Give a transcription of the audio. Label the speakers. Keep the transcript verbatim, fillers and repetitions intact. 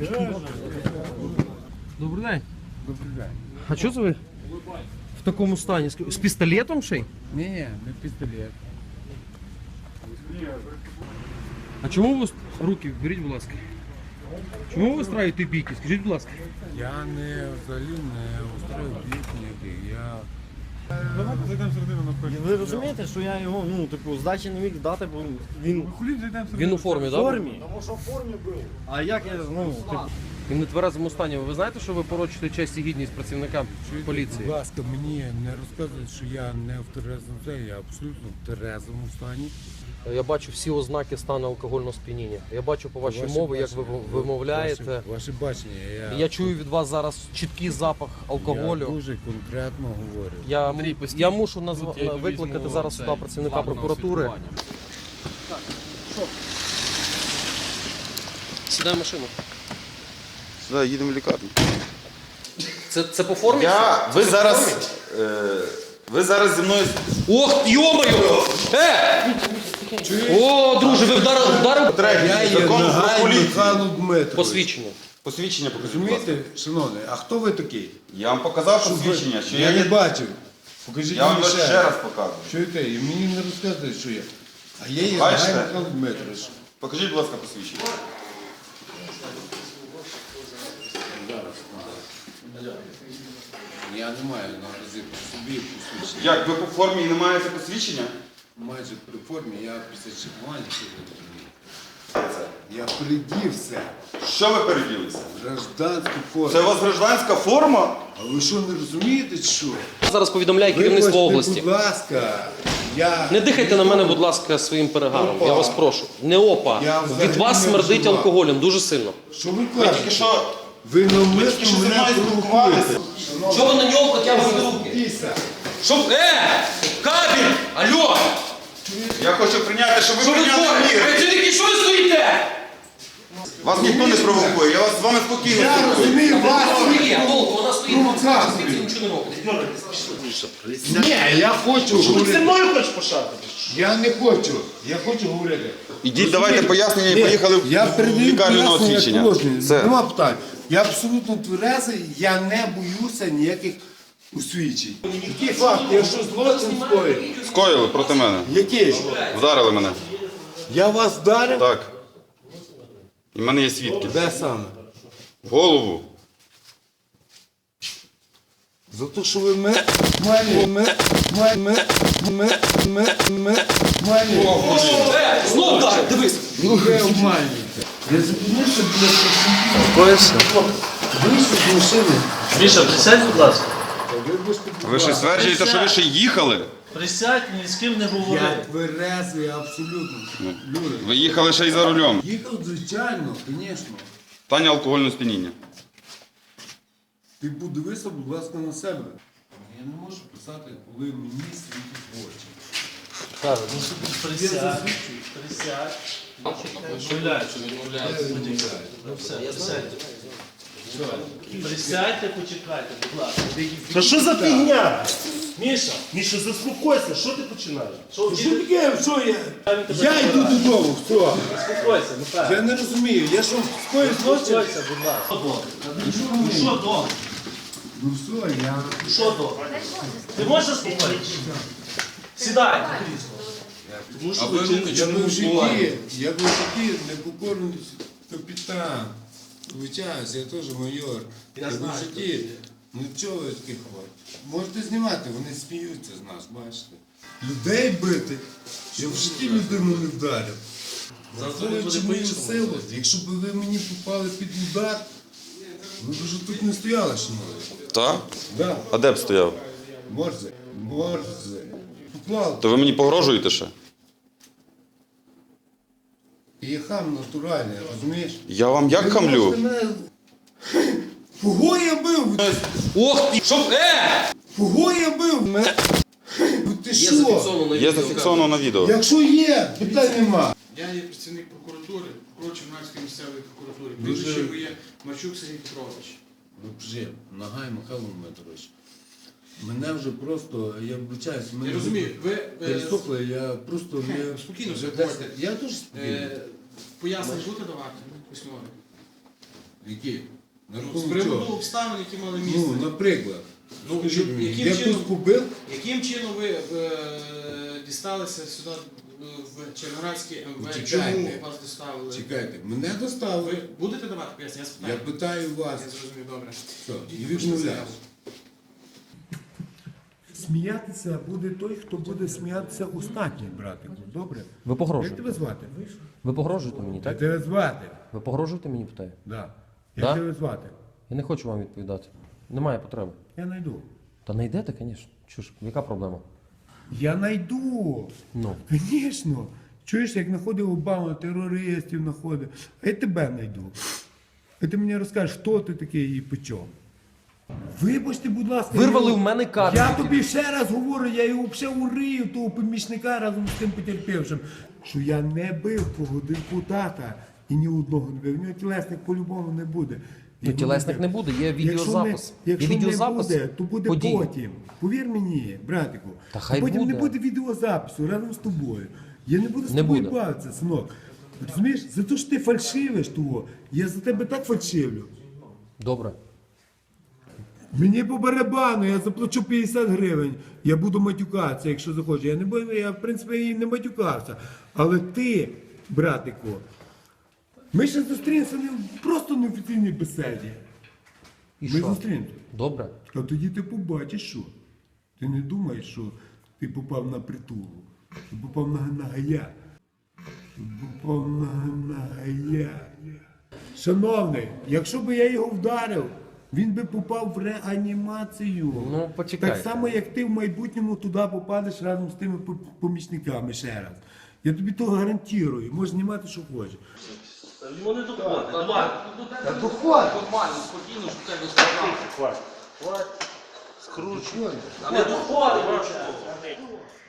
Speaker 1: Добрий день.
Speaker 2: Добрий день.
Speaker 1: А чого це ви в такому стані? З пістолетом ще й?
Speaker 2: Ні, ні, не пістолет.
Speaker 1: А чому ви руки беріть, будь ласка? Чому ви страєте бійки? Скажіть, будь ласка.
Speaker 2: Я не взагалі не устроїв бійки ніяких. Я... Давайте зайдемо всередину на
Speaker 3: Ви розумієте, що я його, ну, типу, здачі не міг дати, бо він
Speaker 2: Хулі зайдемо всередину.
Speaker 1: Він у формі,
Speaker 3: в
Speaker 1: так?
Speaker 3: формі. Тому що в формі був. А як я, ну, типу...
Speaker 1: Він не тверезому стані. Ви знаєте, що ви порочите честь і гідність працівникам поліції?
Speaker 2: Будь ласка, мені не розказують, що я не в терезому стані, я абсолютно в терезому стані.
Speaker 1: Я бачу всі ознаки стану алкогольного сп'яніння. Я бачу по вашій
Speaker 2: Ваше
Speaker 1: мові, як ви
Speaker 2: бачення,
Speaker 1: вимовляєте.
Speaker 2: Ваше, ваше бачення. Я,
Speaker 1: Я чую від вас зараз чіткий запах
Speaker 2: я
Speaker 1: алкоголю.
Speaker 2: дуже конкретно говорю.
Speaker 1: Я, м- я мушу назва... викликати зараз сюди працівника прокуратури. Сідай в машину.
Speaker 4: Сюди їдемо в лікарню.
Speaker 1: Це, це по формі?
Speaker 4: Я, ви зараз, е, ви зараз зі мною...
Speaker 1: Ох, йомаю! Е! О, друже, ви вдарили, вдарили?
Speaker 2: Я є
Speaker 4: Закон про
Speaker 2: Нагай
Speaker 4: поліцію.
Speaker 2: Михайло Дмитрович.
Speaker 1: Посвідчення.
Speaker 4: Посвідчення покажіть, будь ласка.
Speaker 2: Розумієте, шановний, а хто ви такий?
Speaker 4: Я вам показав посвідчення, що
Speaker 2: я
Speaker 4: я
Speaker 2: не
Speaker 4: є...
Speaker 2: бачив. Покажіть
Speaker 4: Я вам
Speaker 2: мені
Speaker 4: ще раз показую.
Speaker 2: Чуєте, і мені не розказують, що я. А я є
Speaker 4: Бачите?
Speaker 2: Нагай Михайло Дмитрович.
Speaker 4: Покажіть, будь ласка, посвідчення.
Speaker 2: Я не маю наразі при собі посвідчення.
Speaker 4: Як, ви по формі і не маєте посвідчення?
Speaker 2: Майже при формі, я після чекування сьогодні. Я придівся
Speaker 4: Що ви переділися?
Speaker 2: в гражданську форму.
Speaker 4: Це у вас гражданська форма?
Speaker 2: А ви що, не розумієте, що?
Speaker 1: Зараз повідомляє керівництво
Speaker 2: Вибачте,
Speaker 1: області.
Speaker 2: будь ласка, я...
Speaker 1: Не дихайте на мене, будь ласка, своїм перегаром. Я вас прошу. Не опа.
Speaker 2: Я взагалі
Speaker 1: Від вас
Speaker 2: не
Speaker 1: смердить
Speaker 2: вживав.
Speaker 1: алкоголем дуже сильно.
Speaker 2: Що ви
Speaker 4: Ви тільки
Speaker 2: кажете?
Speaker 4: що...
Speaker 2: Ви
Speaker 4: Ви тільки
Speaker 2: навмисно
Speaker 4: що зі
Speaker 2: мене
Speaker 4: мною
Speaker 2: провокуєте.
Speaker 4: спілкувалися.
Speaker 1: Чого ви на нього протягуєте руки?
Speaker 2: Піса.
Speaker 1: Що? Е! Кабель! Алло!
Speaker 4: Я хочу прийняти, щоб ви
Speaker 1: Що ви
Speaker 4: прийняли
Speaker 1: творите?
Speaker 4: мір.
Speaker 1: Працівники, що ви стоїте?
Speaker 4: Вас ніхто не провокує, я вас з вами спокійно
Speaker 2: Я
Speaker 4: спілкуюся.
Speaker 2: розумію вас.
Speaker 1: Ні, толку, вона стоїть,
Speaker 2: Провокації.
Speaker 1: звідси нічого не робить.
Speaker 2: Ні, я хочу
Speaker 3: Ти зі
Speaker 2: говорити.
Speaker 3: мною хочеш пошати?
Speaker 2: Я не хочу. Я хочу говорити.
Speaker 4: Ідіть, давайте пояснення і поїхали
Speaker 2: Я
Speaker 4: в
Speaker 2: передаю
Speaker 4: лікарню на
Speaker 2: пояснення
Speaker 4: освідчення.
Speaker 2: положення.
Speaker 4: Все.
Speaker 2: Нема питань. Я абсолютно тверезий, я не боюся ніяких усвідчень. Який факт? Якщо злочин скоїв,
Speaker 4: Скоїли проти мене.
Speaker 2: який?
Speaker 4: Вдарили мене.
Speaker 2: Я вас вдарив?
Speaker 4: Так. І в мене є свідки.
Speaker 2: Де саме?
Speaker 4: В голову.
Speaker 2: За те, що ви мене, мене, мене, мене, мене, мене, мене, мене,
Speaker 1: Е! Знов вдарив, дивись!
Speaker 2: ви обманюєте. Я зупинився біля працівників. Вийшов з машини.
Speaker 3: Міша, присядь, будь ласка.
Speaker 2: Вибачте, будь
Speaker 4: Ви ще
Speaker 2: ласка.
Speaker 4: стверджуєте, що ви ще їхали?
Speaker 3: Присядь, ні з ким не
Speaker 2: Я
Speaker 3: говори.
Speaker 2: тверезий абсолютно. Люди.
Speaker 4: Ви їхали ще й за рулем.
Speaker 2: Їхав, звичайно, звісно.
Speaker 4: Таня алкогольне сп'яніння.
Speaker 2: Ти подивися, будь ласка, на себе. Я не можу писати, коли мені світить в очі.
Speaker 3: Присядь, присядь. Відмовляється. Ну все, присядьте. Присядьте, почекайте, будь ласка.
Speaker 5: Та що за фігня?
Speaker 3: Міша,
Speaker 5: Міша, заспокойся, що ти починаєш?
Speaker 3: що
Speaker 2: Що таке, що я?
Speaker 3: він тебе
Speaker 2: Я йду
Speaker 3: забирає?
Speaker 2: додому, все.
Speaker 3: Успокойся, Михайло.
Speaker 2: Я не розумію, я що, скоїв злочин?
Speaker 3: Успокойся, будь ласка. Що добре? Ну що добре?
Speaker 2: Ну все, я...
Speaker 3: Що добре? Ти можеш заспокоїтися? Сідай на крісло. Тому що ви
Speaker 2: Я би в житті, я би в житті непокорний капітан. Вибачаюсь, я теж майор. Я би в житті нічого таких хворих. Можете знімати, вони сміються з нас, бачите. Людей бити, я в житті людину не вдарив. Враховуючи мою силу, якщо б ви мені попали під удар, ви б вже тут не стояли, шановні.
Speaker 4: Так?
Speaker 2: Да.
Speaker 4: А де б стояв?
Speaker 2: Морзе, морзе. Поклав.
Speaker 4: То ви мені погрожуєте ще?
Speaker 2: І я хам натуральний, розумієш?
Speaker 4: Я вам як
Speaker 2: Ви
Speaker 4: хамлю?
Speaker 2: можете мене- Кого я бив?
Speaker 1: Ох ти! Що? Е!
Speaker 2: Кого я бив? Мене- Ну ти
Speaker 1: Є
Speaker 2: що?
Speaker 1: зафіксовано на
Speaker 4: Є
Speaker 1: відео.
Speaker 4: зафіксовано на відео.
Speaker 2: Якщо є, питань нема.
Speaker 6: Я є працівник прокуратури, прокурор Чернівецької місцевої прокуратури.
Speaker 2: Дуже-
Speaker 6: Прізвище моє Марчук Сергій Петрович.
Speaker 2: Ну, вже, Нагай Михайло Дмитрович. Мене вже просто, я вибачаюсь, мене
Speaker 6: Я розумію, ви е,
Speaker 2: перестопли, я просто не...
Speaker 6: Спокійно
Speaker 2: вже
Speaker 6: заходьте.
Speaker 2: десь- Я теж спокійно.
Speaker 6: е, пояснення будете давати письмові?
Speaker 2: Які? На
Speaker 6: З
Speaker 2: рахунок
Speaker 6: приводу
Speaker 2: чого?
Speaker 6: обставин, які мали
Speaker 2: Ну,
Speaker 6: місце.
Speaker 2: наприклад.
Speaker 6: Ну,
Speaker 2: Скажіть
Speaker 6: що-
Speaker 2: мені,
Speaker 6: яким
Speaker 2: я
Speaker 6: чином-
Speaker 2: тут побив?
Speaker 6: Яким чином ви е, дісталися сюди е, в Червоноградський ем ве?
Speaker 2: Чекайте.
Speaker 6: Чому вас доставили?
Speaker 2: Чекайте, мене доставили.
Speaker 6: Ви будете давати пояснення? Я
Speaker 2: Я
Speaker 6: спитаю.
Speaker 2: питаю вас.
Speaker 6: Я зрозумів, добре.
Speaker 2: Що? І
Speaker 6: Пишіть
Speaker 2: відмовляюсь.
Speaker 6: заяву.
Speaker 7: Сміятися буде той, хто буде сміятися останній, братику. Добре?
Speaker 8: Ви
Speaker 7: Як
Speaker 8: погрожуєте?
Speaker 7: тебе звати?
Speaker 8: Ви погрожуєте мені,
Speaker 7: Як
Speaker 8: так?
Speaker 7: тебе звати?
Speaker 8: Ви погрожуєте мені, питаю?
Speaker 7: Да. Як
Speaker 8: Да?
Speaker 7: тебе звати?
Speaker 8: Я не хочу вам відповідати. Немає потреби.
Speaker 7: Я найду.
Speaker 8: Та не йдете, звісно. Чуж, яка проблема?
Speaker 7: Я найду.
Speaker 8: Ну.
Speaker 7: Звісно. Чуєш, як знаходив Обама, терористів знаходив. А я тебе найду. А ти мені розкажеш, хто ти такий і по чому. Вибачте, будь ласка.
Speaker 8: Вирвали
Speaker 7: я-
Speaker 8: в мене карточки.
Speaker 7: Я тобі ще раз говорю, я його взагалі урию, того помічника разом з тим потерпівшим, що я не бив того депутата і ні одного не бив. У нього тілесник по-любому не буде.
Speaker 8: Ну, тілесник не буде, є відеозапис.
Speaker 7: Якщо, не, якщо
Speaker 8: Є відеозапис
Speaker 7: не буде, то буде
Speaker 8: подій.
Speaker 7: потім. Повір мені, братику.
Speaker 8: Та хай
Speaker 7: а потім
Speaker 8: буде.
Speaker 7: не буде відеозапису разом з тобою. Я не буду з
Speaker 8: Не
Speaker 7: тобою
Speaker 8: буде.
Speaker 7: бавитися, синок. Розумієш, за те, що ти фальшивиш того, я за тебе так фальшивлю.
Speaker 8: Добре.
Speaker 7: Мені по барабану, я заплачу п'ятдесят гривень, я буду матюкатися, якщо захочу. Я не буду, я в принципі і не матюкався. Але ти, братику, ми ще зустрінемося не просто на офіційній беседі.
Speaker 8: І
Speaker 7: Ми
Speaker 8: що?
Speaker 7: зустрінемося.
Speaker 8: Добре.
Speaker 7: А тоді ти побачиш, що. Ти не думаєш, що ти попав на притулу. Ти попав на, на гая. Ти попав на, на гая. Шановний, якщо б я його вдарив, він би попав в реанімацію.
Speaker 8: Ну, почекайте.
Speaker 7: Так само, як ти в майбутньому туди попадеш разом з тими по- помічниками ще раз. Я тобі то гарантую. Можеш знімати, що хочеш.
Speaker 3: Йому не доходить. Давай.
Speaker 7: Та доходь!
Speaker 3: Нормально, спокійно, що тебе сказав.
Speaker 5: Хватит. Хватит. Скручивай.
Speaker 3: Не доходить, бачу.